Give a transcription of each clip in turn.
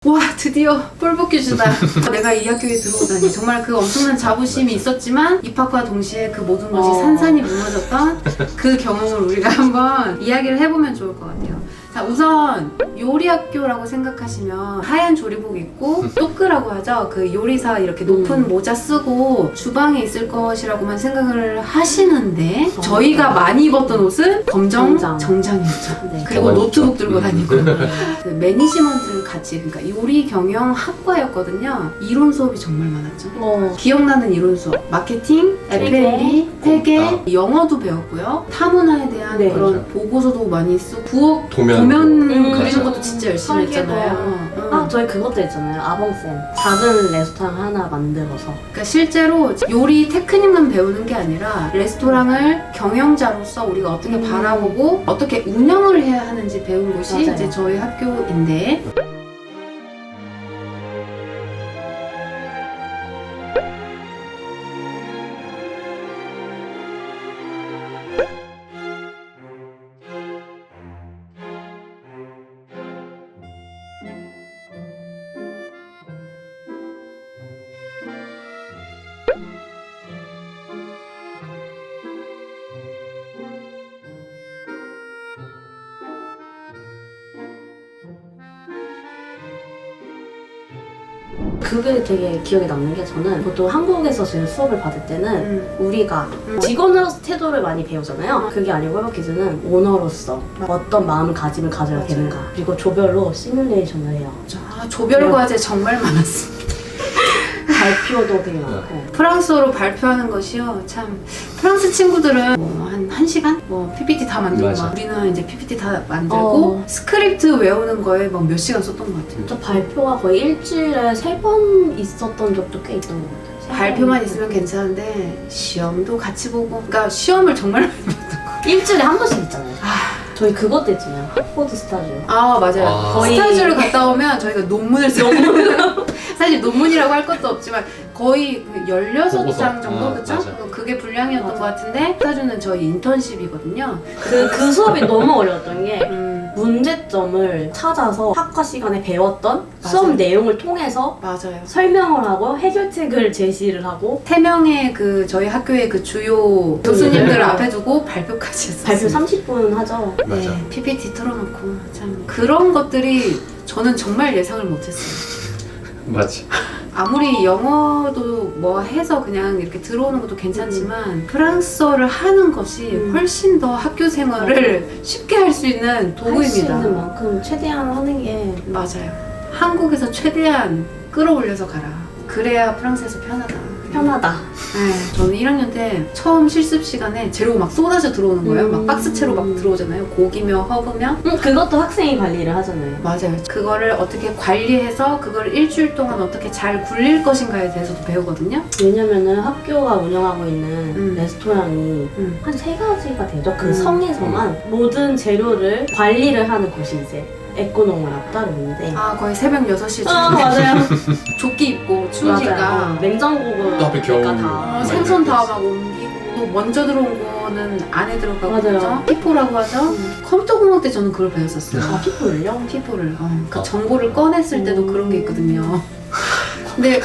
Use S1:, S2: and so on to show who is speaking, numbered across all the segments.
S1: 와 드디어 뿔벗겨주다. 내가 이 학교에 들어오다니. 정말 그 엄청난 자부심이 있었지만 입학과 동시에 그 모든 것이 산산이 무너졌던 그 경험을 우리가 한번 이야기를 해보면 좋을 것 같아요. 자, 우선 요리학교라고 생각하시면 하얀 조리복 입고 또끄라고 하죠. 그 요리사 이렇게 높은 모자 쓰고 주방에 있을 것이라고만 생각을 하시는데 저희가 많이 입었던 옷은 검정 정장이었죠.
S2: 네.
S1: 그리고 노트북 들고 다니고 그 매니지먼트를 같이, 그러니까 요리 경영 학과였거든요. 이론 수업이 정말 많았죠. 기억나는 이론 수업, 마케팅, F&B, 회계, 영어도 배웠고요. 타문화에 대한 그런 보고서도 많이 쓰고 부엌 도면 그리는 것도 진짜 열심히 했잖아요.
S2: 아, 저희 그것도 했잖아요. 아봉쌤. 작은 레스토랑 하나 만들어서.
S1: 그러니까 실제로 요리 테크닉만 배우는 게 아니라 레스토랑을 경영자로서 우리가 어떻게 바라보고 어떻게 운영을 해야 하는지 배운 곳이
S2: 맞아요.
S1: 이제 저희 학교인데,
S2: 그게 되게 기억에 남는 게, 저는 보통 한국에서 지금 수업을 받을 때는 우리가 직원으로서 태도를 많이 배우잖아요. 그게 아니고 회복키즈는 오너로서 어떤 마음가짐을 가져야 되는가, 그리고 조별로 시뮬레이션을 해요.
S1: 아, 조별 과제 정말 많았습니다.
S2: 발표도 되게 많고.
S1: 프랑스어로 발표하는 것이요, 참 프랑스 친구들은 뭐 한 1시간? 뭐 PPT 다 만들고 막 우리는 이제 PPT 다 만들고 스크립트 외우는 거에 막 몇 시간 썼던 것 같아요.
S2: 저 발표가 거의 일주일에 3번 있었던 적도 꽤 있던 것 같아요.
S1: 발표만 있으면 괜찮은데 시험도 같이 보고, 그러니까 시험을 정말 많이 봤던 거.
S2: 일주일에 한 번씩 있잖아요. 저희 그것도 했잖아요. 학포드 스타즈.
S1: 아, 맞아요. 거의 스타즈를 갔다 오면 저희가 논문을 써요. 사실 논문이라고 할 것도 없지만 거의 16장 정도, 그쵸? 그게 분량이었던 것 같은데, 스타즈는 저희 인턴십이거든요.
S2: 그 수업이 너무 어려웠던 게 문제점을 찾아서 학과 시간에 배웠던 수업 내용을 통해서
S1: 맞아요.
S2: 설명을 하고 해결책을 제시를 하고
S1: 3명의 그 저희 학교의 그 주요 교수님들 앞에 두고 발표까지 했었어요.
S2: 발표 30분 하죠.
S1: 네, PPT 틀어놓고 참 그런 것들이 저는 정말 예상을 못했어요.
S3: 맞지.
S1: 아무리 영어도 뭐 해서 그냥 이렇게 들어오는 것도 괜찮지만 프랑스어를 하는 것이 훨씬 더 학교 생활을 쉽게 할 수 있는 도구입니다.
S2: 할 수 있는 만큼 최대한 하는 게
S1: 맞아요. 한국에서 최대한 끌어올려서 가라. 그래야 프랑스에서 편하다. 네, 저는 1학년 때 처음 실습 시간에 재료 막 쏟아져 들어오는 거예요. 막 박스채로 막 들어오잖아요. 고기며 허브며.
S2: 그것도 학생이 관리를 하잖아요.
S1: 맞아요. 그거를 어떻게 관리해서 그걸 일주일 동안 어떻게 잘 굴릴 것인가에 대해서도 배우거든요.
S2: 왜냐면은 학교가 운영하고 있는 레스토랑이 한 3가지가 되죠. 그 성에서만 모든 재료를 관리를 하는 곳이 이제 에코농이라고 따로 있는데,
S1: 거의 새벽 6시에
S2: 맞아요.
S1: 조끼 입고 추우니까
S2: 냉장고가
S3: 또 하필 겨울.
S2: 다
S1: 생선 다 막 옮기고, 또 먼저 들어온 거는 안에 들어가고,
S2: 맞아요.
S1: 그죠? 피포라고 하죠. 컴퓨터 공학 때 저는 그걸 배웠었어요.
S2: 피플요?
S1: 피포를. 그 정보를 꺼냈을 때도 그런 게 있거든요. 근데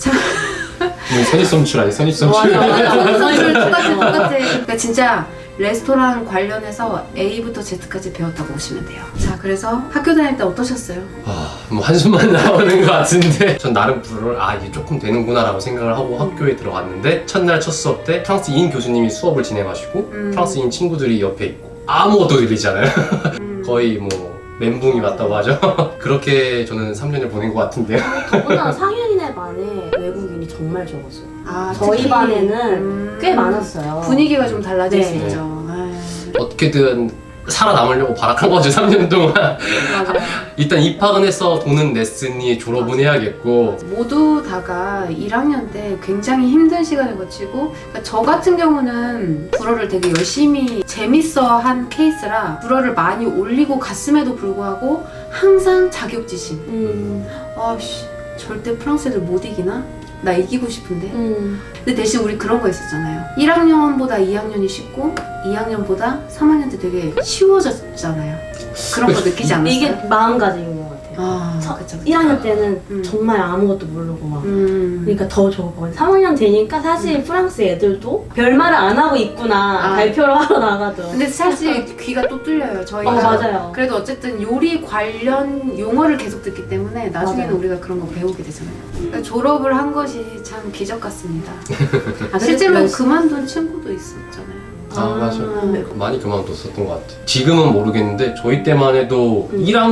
S3: 선입선출 아니 선입선출.
S1: 선수를 똑같아. 그러니까 진짜 레스토랑 관련해서 A부터 Z까지 배웠다고 보시면 돼요. 자, 그래서 학교 다닐 때 어떠셨어요?
S3: 뭐 한숨만 나오는 것 같은데, 전 나름 불을 이게 조금 되는구나라고 생각을 하고 학교에 들어갔는데, 첫날 첫 수업 때 프랑스인 교수님이 수업을 진행하시고 프랑스인 친구들이 옆에 있고 아무것도 들리잖아요. 거의 뭐 멘붕이 왔다고 하죠. 그렇게 저는 3년을 보낸 것 같은데요.
S2: 더구나 상현이네 반에 외국인이 정말 적었어요. 저희
S1: 특히,
S2: 반에는 꽤 많았어요.
S1: 분위기가 좀 달라질 수
S2: 네.
S1: 있죠.
S3: 어떻게든 살아남으려고 발악한 거죠. 3년 동안.
S1: 맞아요.
S3: 일단 입학은 해서 돈은 냈으니 졸업은 해야겠고.
S1: 모두 다가 1학년 때 굉장히 힘든 시간을 거치고, 그러니까 저 같은 경우는 불어를 되게 열심히 재밌어 한 케이스라 불어를 많이 올리고 갔음에도 불구하고 항상 자격지심. 아씨, 절대 프랑스 애들 못 이기나? 나 이기고 싶은데. 근데 대신 우리 그런 거 있었잖아요. 1학년보다 2학년이 쉽고 2학년보다 3학년 때 되게 쉬워졌잖아요. 그런 거 느끼지 않았어요?
S2: 이게 마음가짐인 것 같아요.
S1: 아,
S2: 저-
S1: 그쵸.
S2: 1학년 때는
S1: 음.
S2: 정말 아무것도 모르고 막
S1: 음.
S2: 그러니까 더 좋고 3학년 되니까 사실 프랑스 애들도 별말을 안 하고 있구나
S1: 아.
S2: 발표를 하러 나가도
S1: 근데 사실 귀가 또 뚫려요. 저희가.
S2: 맞아요.
S1: 그래도 어쨌든 요리 관련 용어를 계속 듣기 때문에 나중에는
S2: 맞아요.
S1: 우리가 그런 거 배우게 되잖아요. 그러니까 졸업을 한 것이 참 기적 같습니다.
S2: 아,
S1: 실제로
S2: 그래서
S1: 그만둔 친구도 있었잖아요.
S3: 맞아요.
S2: 네.
S3: 많이 그만뒀었던 것 같아. 지금은 모르겠는데 저희 때만 해도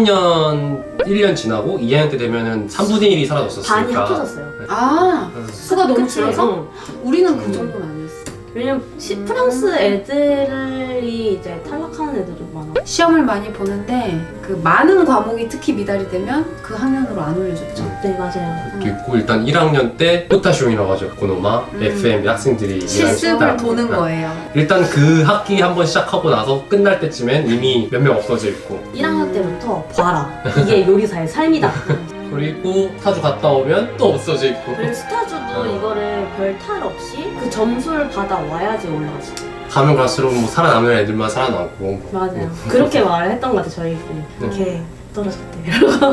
S3: 1년 지나고 2학년 때 되면은 3분의 1이 사라졌었으니까.
S2: 반이 합쳐졌어요.
S1: 아, 수가 너무
S2: 그치?
S1: 줄어서?
S2: 응.
S1: 우리는 그 정도는 아니었어.
S2: 왜냐면 프랑스 애들이 이제 탈락하는 애들도 많아.
S1: 시험을 많이 보는데 그 많은 과목이 특히 미달이 되면 그 학년으로 안 올려줬죠.
S2: 네 맞아요.
S3: 또 있고 일단 1학년 때 호타쇼이라고 하죠. 고노마, FM 학생들이
S1: 실습을
S3: 일하는
S1: 도는
S3: 시간.
S1: 거예요.
S3: 일단 그 학기 한번 시작하고 나서 끝날 때쯤엔 이미 몇 명 없어져 있고
S2: 1학년 때부터 봐라. 이게 요리사의 삶이다.
S3: 그리고 스타주 갔다 오면 또 없어져 있고
S2: 그리고 스타주도 이거를 별 탈 없이 그 점수를 받아 와야지 올라가지.
S3: 가면 갈수록 뭐 살아남는 애들만 살아남고
S2: 맞아요. 그렇게 말을 했던 것 같아 저희끼리. 이렇게 떨어졌대.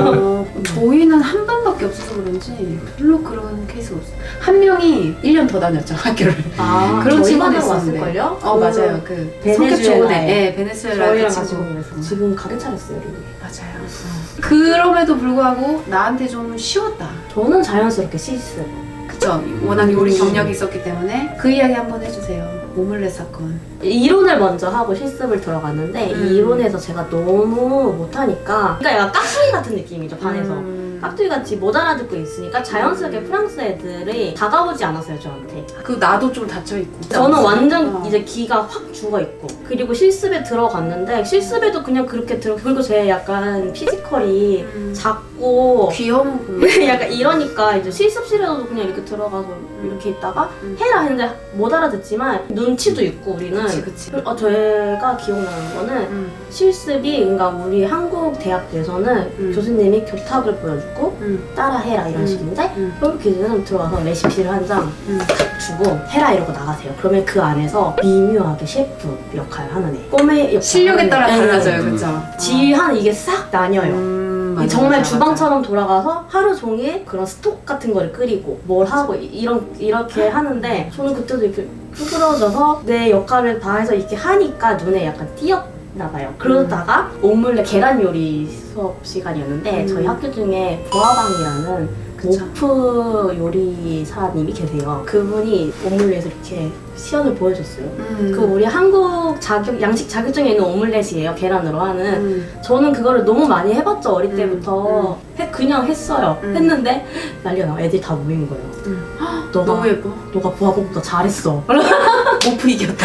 S1: 저희는 한 반밖에 없어서 그런지 별로 그런 케이스가 없어요. 한 명이 1년 더 다녔죠, 학교를.
S2: 아
S1: 그런
S2: 저희
S1: 친구도
S2: 반에
S1: 있었는데.
S2: 왔을걸요?
S1: 맞아요. 그 성격
S2: 베네수엘라에.
S1: 좋은 애. 베네수엘라
S2: 저희랑
S1: 그
S2: 같이
S1: 친구.
S2: 공부했어. 지금 가게 차렸어요 여기.
S1: 맞아요. 그럼에도 불구하고 나한테 좀 쉬웠다.
S2: 저는 자연스럽게 실습.
S1: 그쵸? 워낙 요리 경력이 있었기 때문에 그 이야기 한번 해주세요. 오믈렛 사건.
S2: 이론을 먼저 하고 실습을 들어갔는데 이 이론에서 제가 너무 못하니까 그러니까 약간 깍두기 같은 느낌이죠 반에서. 깍두기 같이 못 알아듣고 있으니까 자연스럽게 프랑스 애들이 다가오지 않았어요 저한테.
S1: 그 나도 좀 닫혀있고.
S2: 저는 완전
S1: 어.
S2: 이제 기가 확 죽어있고 그리고 실습에 들어갔는데 실습에도 그냥 그렇게 그리고 제 약간 피지컬이 작고
S1: 귀여운 그
S2: 약간 이러니까 이제 실습실에도 그냥 이렇게 들어가서 이렇게 있다가 해라 했는데 못 알아듣지만 눈치도 있고 우리는
S1: 그치.
S2: 제가 기억나는 거는 실습이 그러니까 우리 한국 대학교에서는 교수님이 교탁을 보여주고 따라해라 이런 식인데 폴부키즈는 들어와서 레시피를 한 장 탁 주고 해라 이러고 나가세요. 그러면 그 안에서 미묘하게 셰프 역할 하는 애 꿈의 역할
S1: 실력에
S2: 하는
S1: 따라
S2: 애.
S1: 달라져요, 그쵸?
S2: 지휘하는 이게 싹 나뉘어요.
S1: 맞아,
S2: 정말
S1: 맞아,
S2: 주방처럼 돌아가서 하루 종일 그런 스톡 같은 거를 끓이고 뭘 하고 이렇게 하는데 저는 그때도 이렇게 쭈그러져서 내 역할을 다 해서 이렇게 하니까 눈에 약간 띄었나 봐요. 그러다가 오믈렛 계란 요리 수업 시간이었는데 저희 학교 중에 부하방이라는
S1: 그쵸.
S2: 오프 요리사님이 계세요. 그분이 오믈렛을 이렇게 시연을 보여줬어요. 그 우리 한국 양식 자격증에 있는 오믈렛이에요. 계란으로 하는. 저는 그거를 너무 많이 해봤죠. 어릴 때부터. 그냥 했어요. 했는데 난리가 나. 애들이 다 모인 거예요.
S1: 너무 예뻐.
S2: 너가 부하공보다 잘했어.
S1: 오프 이겼다.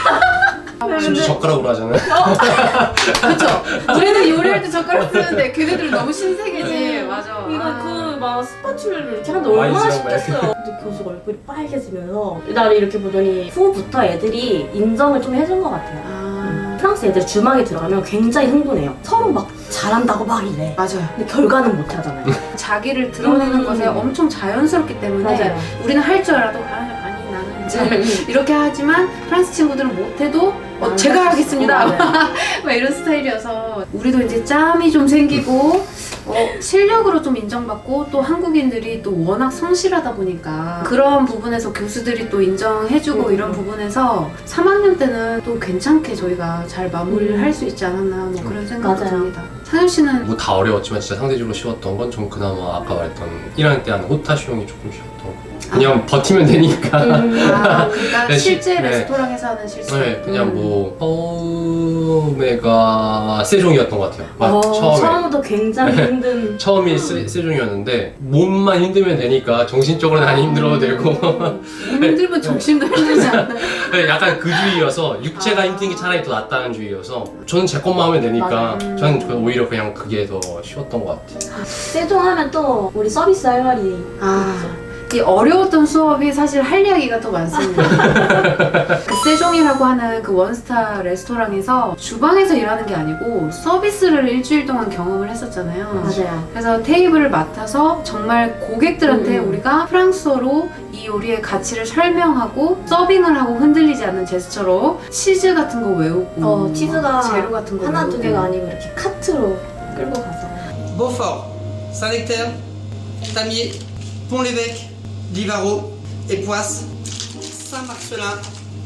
S3: 심지어 젓가락으로 하잖아요.
S1: 그쵸? 우리는 요리할 때 젓가락 쓰는데 걔네들은 너무 신세계지. 맞아.
S2: 이거 막 스파츌러를 이렇게 하는데
S3: 많이
S2: 얼마나
S3: 쓰는 거야.
S2: 쉽겠어요. 근데 교수가 얼굴이 빨개지면서 나를 이렇게 보더니 후부터 애들이 인정을 좀 해준 것 같아요. 프랑스 애들 주방에 들어가면 굉장히 흥분해요. 서로 막 잘한다고 막 이래.
S1: 맞아요.
S2: 근데 결과는 못 하잖아요.
S1: 자기를 드러내는 것에 엄청 자연스럽기 때문에
S2: 맞아요.
S1: 우리는 할 줄 알아도 아니 나는 잘 이렇게 하지만 프랑스 친구들은 못해도 제가 하겠습니다. 막 이런 스타일이어서 우리도 이제 짬이 좀 생기고 실력으로 좀 인정받고 또 한국인들이 또 워낙 성실하다 보니까 그런 부분에서 교수들이 또 인정해주고 이런 부분에서 3학년 때는 또 괜찮게 저희가 잘 마무리를 할 수 있지 않았나 뭐 그런 생각도
S2: 맞아요.
S1: 듭니다. 상현 씨는
S3: 뭐 다 어려웠지만 진짜 상대적으로 쉬웠던 건 좀 그나마 아까 말했던 1학년 때 하는 호타쇼용이 조금 쉬웠던 거. 그냥 버티면 되니까.
S1: 그러니까
S3: 네,
S1: 실제
S3: 네.
S1: 레스토랑에서 하는 실수.
S3: 네, 그냥 뭐 처음에가 세종이었던 것 같아요. 처음에.
S2: 처음부터 굉장히 힘든.
S3: 처음이 세종이었는데 몸만 힘들면 되니까 정신적으로는 안 힘들어도 되고
S1: 힘들면 정신도 힘들지 않나요?
S3: 약간 그 주의여서 육체가 힘든 게 차라리 더 낫다는 주의여서 저는 제 것만 하면 되니까 저는 오히려 그냥 그게 더 쉬웠던 것 같아요.
S2: 세종하면 또 우리 서비스 할 말이
S1: 이 어려웠던 수업이 사실 할 이야기가 더 많습니다. 그 세종이라고 하는 그 원스타 레스토랑에서 주방에서 일하는 게 아니고 서비스를 일주일 동안 경험을 했었잖아요.
S2: 맞아요.
S1: 그래서 테이블을 맡아서 정말 고객들한테 우리가 프랑스어로 이 요리의 가치를 설명하고 서빙을 하고 흔들리지 않는 제스처로 치즈 같은 거 외우고
S2: 치즈가
S1: 재료 같은 거
S2: 하나
S1: 외우고.
S2: 두 개가 아니고 이렇게 카트로 끌고 가서
S4: Beaufort, Saint-Nectaire, Tamier, Pont-l'Évêque, Livaro, Époisse, Saint-Marcelin,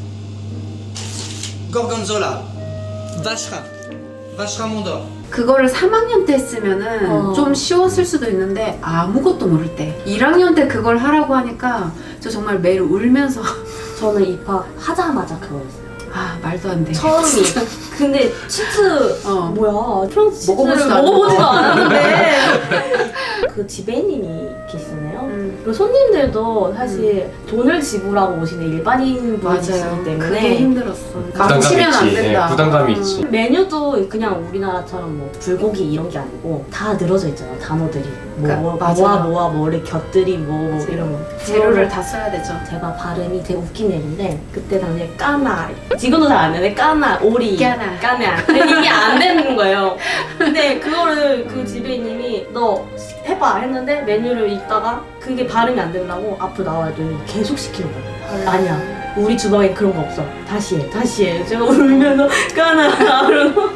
S4: Gorgonzola, Vacherin, Vacherin Mont-d'Or.
S1: 그거를 3학년 때 했으면은 좀 쉬웠을 수도 있는데 아무것도 모를 때 1학년 때 그걸 하라고 하니까 저 정말 매일 울면서
S2: 저는 입학하자마자 그거였어요.
S1: 아 말도 안 돼.
S2: 처음이. 근데 치즈 뭐야? 프랑스 치즈를
S1: 먹어보지도
S2: 먹어보지도 않았는데 그 지배인님이 계시잖아요. 그리고 손님들도 사실 돈을 지불하고 오시는 일반인 분이시기
S1: 맞아요.
S2: 때문에
S1: 그게 힘들었어.
S3: 부담감이
S1: 망치면 안
S3: 있지.
S1: 된다.
S3: 부담감이 있지.
S2: 메뉴도 그냥 우리나라처럼 뭐 불고기 이런 게 아니고 다 늘어져 있잖아요. 단어들이
S1: 그러니까, 맞아요.
S2: 뭐를 곁들이 뭐
S1: 맞아요.
S2: 이런 거.
S1: 재료를 다 써야 되죠.
S2: 제가 발음이 되게 웃긴 애인데 그때 당시에 까나 지금도 잘 안 되는데 까나 오리
S1: 까나.
S2: 이게 안 되는 거예요. 근데 그거를 그 지배인님이 너 해봐 했는데 메뉴를 읽다가 그게 발음이 안 된다고 앞으로 나와야 돼 계속 시키는 거예요. 아니야 우리 주방에 그런 거 없어. 다시 해. 제가 울면서 까나 그러고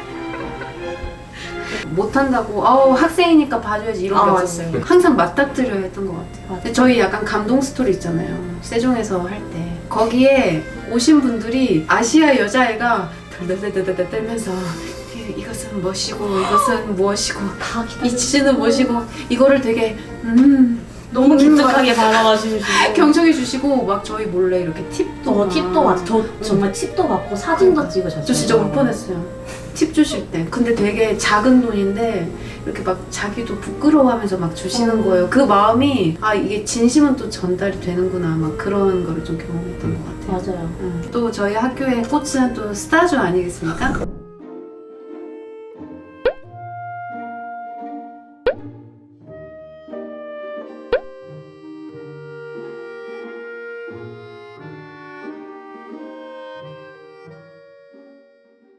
S1: 못한다고 학생이니까 봐줘야지 이런 게
S2: 아,
S1: 없었어요. 항상 맞닥뜨려야 했던 것 같아요.
S2: 맞아요.
S1: 근데 저희 약간 감동 스토리 있잖아요. 세종에서 할 때 거기에 오신 분들이 아시아 여자애가 덜덜덜덜 떨면서 이것은 무엇이고 이것은 무엇이고
S2: 다
S1: 이 치즈는 무엇이고 이거를 되게
S2: 너무 기특하게 바라봐주시고
S1: 경청해 주시고 막 저희 몰래 이렇게 팁도
S2: 팁도 받 저 정말 팁도 받고 사진도 찍으셨어요.
S1: 저 진짜 울 뻔했어요. 팁 주실 때. 근데 되게 작은 돈인데 이렇게 막 자기도 부끄러워하면서 막 주시는 거예요. 그 마음이 이게 진심은 또 전달이 되는구나 막 그런 거를 좀 경험했던 것 같아요.
S2: 맞아요.
S1: 또 저희 학교의 꽃은 또 스타주 아니겠습니까?